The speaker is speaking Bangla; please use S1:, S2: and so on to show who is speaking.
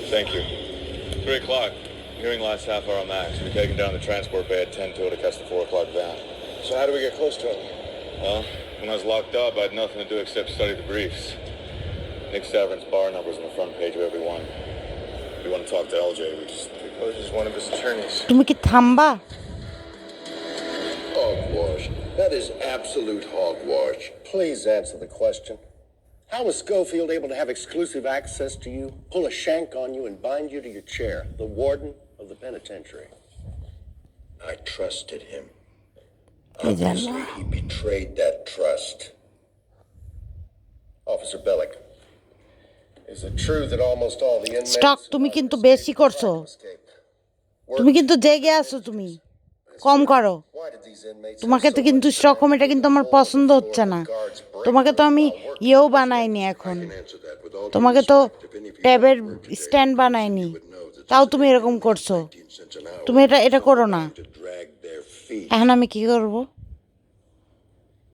S1: Thank you. 3 o'clock. Hearing last half hour max. We're taking down the transport bay at 10 to catch the 4 o'clock van.
S2: So how do we get close to him?
S1: Well, when I was locked up, I had nothing to do except study the briefs. Nick Saverin's bar number's on the front page of every one. If we want to talk to LJ, we just...
S2: Suppose he's one of his attorneys.
S3: তুমি কি থামবা?
S4: Hogwash. That is absolute hogwash.
S2: Please answer the question. How was Schofield able to have exclusive access to you, pull a shank on you, and bind you to your chair, the warden of the penitentiary?
S4: I trusted him. Obviously, he betrayed that trust.
S2: Officer Bellick, is it true that almost all the inmates...
S3: স্টক তুমি কিন্তু বেশি করছো। তুমি কিন্তু জেগে আছো, তুমি কম করো। তোমাকে তো কিন্তু স্টকহোম, এটা কিন্তু আমার পছন্দ হচ্ছে না। তোমাকে তো আমি ইয়েও বানাইনি, এখন তোমাকে তো ট্যাবের স্ট্যান্ড বানাইনি, তাও তুমি এরকম করছো। তুমি এটা করো না। এখন আমি কি করবো?